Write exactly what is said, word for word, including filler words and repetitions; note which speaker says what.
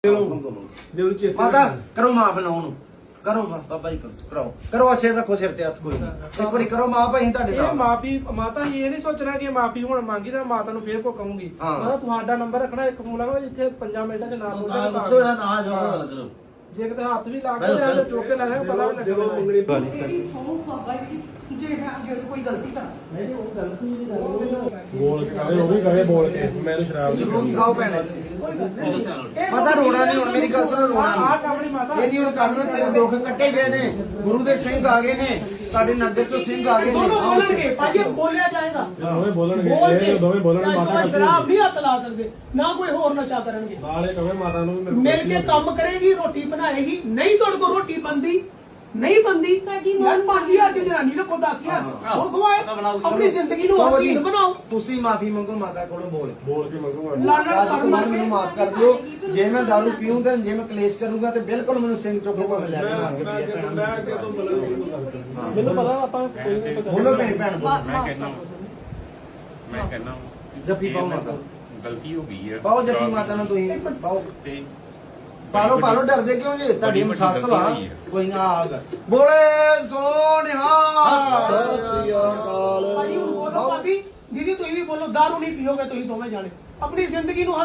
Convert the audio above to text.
Speaker 1: माता करो मां बनाओ करो बाबा जी करो करो सिर रखो सिर ते हत्थ कोई नहीं एक बारी करो मां भाई ਤੁਹਾਡੇ ਦਾ
Speaker 2: ਇਹ ਮਾਫੀ ਮਾਤਾ ਇਹ ਨਹੀਂ ਸੋਚਣਾ ਕਿ ਮਾਫੀ ਹੁਣ ਮੰਗੀ ਤਾਂ ਮਾਤਾ ਨੂੰ ਫੇਰ ਕੋ ਕਹੂੰਗੀ ਮਾਤਾ ਤੁਹਾਡਾ ਨੰਬਰ ਰੱਖਣਾ ਇੱਕ ਫੋਨ ਲਾਵਾ ਜਿੱਥੇ ਪੰਜਾਂ ਮਿੰਟਾਂ ਚ ਨਾਮ
Speaker 3: ਨਾ ਦੱਸੋ ਨਾ ਨਾ ਗੱਲ ਕਰੋ
Speaker 2: ਜੇ ਕਿਤੇ ਹੱਥ ਵੀ ਲਾ ਕੇ ਜਾਂ ਚੁੱਕ ਕੇ ਲਾਇਆ ਪਤਾ ਵੀ ਲੱਗਣਾ
Speaker 4: ਮੇਰੀ ਸੌ ਬਾਬਾ ਜੀ ਜੇ ਮੈਂ ਅੱਗੇ ਤੋਂ ਕੋਈ ਗਲਤੀ ਕਰਾਂ
Speaker 2: ਨਹੀਂ ਉਹ ਗਲਤੀ ਦੀ ਗੱਲ
Speaker 5: ਬੋਲ ਕੇ ਕਹੇ ਉਹ ਵੀ ਕਹੇ ਬੋਲ ਕੇ ਮੈਨੂੰ ਸ਼ਰਾਬ ਦੀ
Speaker 1: ਜ਼ਰੂਰ ਖਾਓ ਭੈਣੇ ਮਾਤਾ ਰੋਣਾ ਨਹੀਂ ਹੁਣ ਮੇਰੀ ਗੱਲ ਸੁਣੋ ਰੋਣਾ
Speaker 2: ਆਹ ਕਾਮੜੀ ਮਾਤਾ
Speaker 1: ਨਹੀਂ ਇਹ ਨਹੀਂ ਹੁਣ ਕੰਮ ਤੇਰੇ ਦੁੱਖ ਕੱਟੇ ਗਏ ਨੇ ਗੁਰੂ ਦੇ ਸਿੰਘ ਆ ਗਏ ਨੇ ਸਾਡੇ ਨਗਰ ਤੋਂ ਸਿੰਘ ਆ ਗਏ ਨੇ
Speaker 6: ਦੋਨੋਂ ਬੋਲਣਗੇ ਭਾਜੀ ਬੋਲਿਆ ਜਾਏਗਾ
Speaker 5: ਦੋਵੇਂ ਬੋਲਣਗੇ
Speaker 6: ਬੋਲ
Speaker 5: ਇਹ ਦੋਵੇਂ ਬੋਲਣਗੇ ਮਾਤਾ
Speaker 6: ਕੋਈ
Speaker 5: ਕਰਦੀ
Speaker 6: ਸ਼ਰਾਬ ਨਹੀਂ ਹੱਥ ਲਾ ਸਕਦੇ ਨਾ ਕੋਈ ਹੋਰ ਨਸ਼ਾ ਕਰਨਗੇ
Speaker 5: ਨਾਲੇ ਕਹੇ ਮਾਤਾ ਨੂੰ ਵੀ ਮੇਰੇ ਕੋਲ
Speaker 6: ਮਿਲ ਕੇ ਕੰਮ ਕਰੇਗੀ ਰੋਟੀ ਬਣਾਏਗੀ ਨਹੀਂ ਤੁਹਾਡੇ ਕੋਲ ਰੋਟੀ ਬੰਦੀ ਨਹੀਂ ਬੰਦੀ
Speaker 4: ਸਾਡੀ
Speaker 6: ਯਾਰ ਪੰਜ ਹਜ਼ਾਰ ਦੀ ਜਨਾਨੀ ਰੱਖੋ ਦਸ ਹਜ਼ਾਰ ਹੋਰ ਖਵਾਏ ਆਪਣੀ ਜ਼ਿੰਦਗੀ ਨੂੰ ਹਸੀਨ ਬਣਾਓ
Speaker 1: ਤੁਸੀਂ ਮਾਫੀ ਮੰਗੋ ਮਾਤਾ ਕੋਲੋਂ ਬੋਲ
Speaker 5: ਬੋਲ ਕੇ ਮੰਗੂਗਾ
Speaker 6: ਲਾਲਣ
Speaker 1: ਅੱਜ
Speaker 6: ਕਰ
Speaker 1: ਤੋਂ
Speaker 6: ਮਾਰ
Speaker 1: ਬਾਅਦ ਮੈਨੂੰ ਮਾਫ ਕਰ ਦਿਓ ਜੇ ਮੈਂ ਦਾਰੂ ਪੀਊਂਗਾ ਜੇ ਮੈਂ ਕਲੇਸ਼ ਕਰੂੰਗਾ ਤੇ ਬਿਲਕੁਲ ਮੈਨੂੰ ਸਿੰਘ ਚੁੱਕ ਕੇ ਭਾਵੇਂ ਲੈ ਕੇ ਮਾਰ ਕੇ
Speaker 2: ਮੈਨੂੰ ਪਤਾ ਆਪਾਂ ਕੋਈ ਨਹੀਂ
Speaker 1: ਬੋਲੋ ਭੈਣ ਭੈਣ ਬੋਲੋ
Speaker 7: ਮੈਂ ਕਹਿੰਦਾ ਮੈਂ ਕਹਿੰਦਾ
Speaker 1: ਜੱਫੀ ਪਾਓ ਮਾਤਾ
Speaker 7: ਗਲਤੀ ਹੋ ਗਈ ਹੈ
Speaker 1: ਪਾਓ ਜੱਫੀ ਮਾਤਾ ਨੂੰ ਤੁਸੀਂ ਪਾਓ
Speaker 7: ਤੇ
Speaker 1: ਪਾਲੋ ਪਾਲੋ ਡਰਦੇ ਕਿਉਂ ਜੇ ਤੁਹਾਡੀ ਮਸਾਸ ਵਾ ਕੋਈ ਨਾ ਆਗ ਬੋਲੇ ਸੋਨਿਹਾ ਸਤਿ ਸ੍ਰੀ ਅਕਾਲ
Speaker 6: ਭਾਜੀ ਹੁਣ ਬੋਲੋ ਭਾਬੀ ਦੀਦੀ ਤੁਸੀਂ ਵੀ ਬੋਲੋ ਦਾਰੂ ਨਹੀਂ ਪੀਓਗੇ ਤੁਸੀਂ ਦੋਵੇਂ ਜਾਣੇ ਆਪਣੀ ਜ਼ਿੰਦਗੀ ਨੂੰ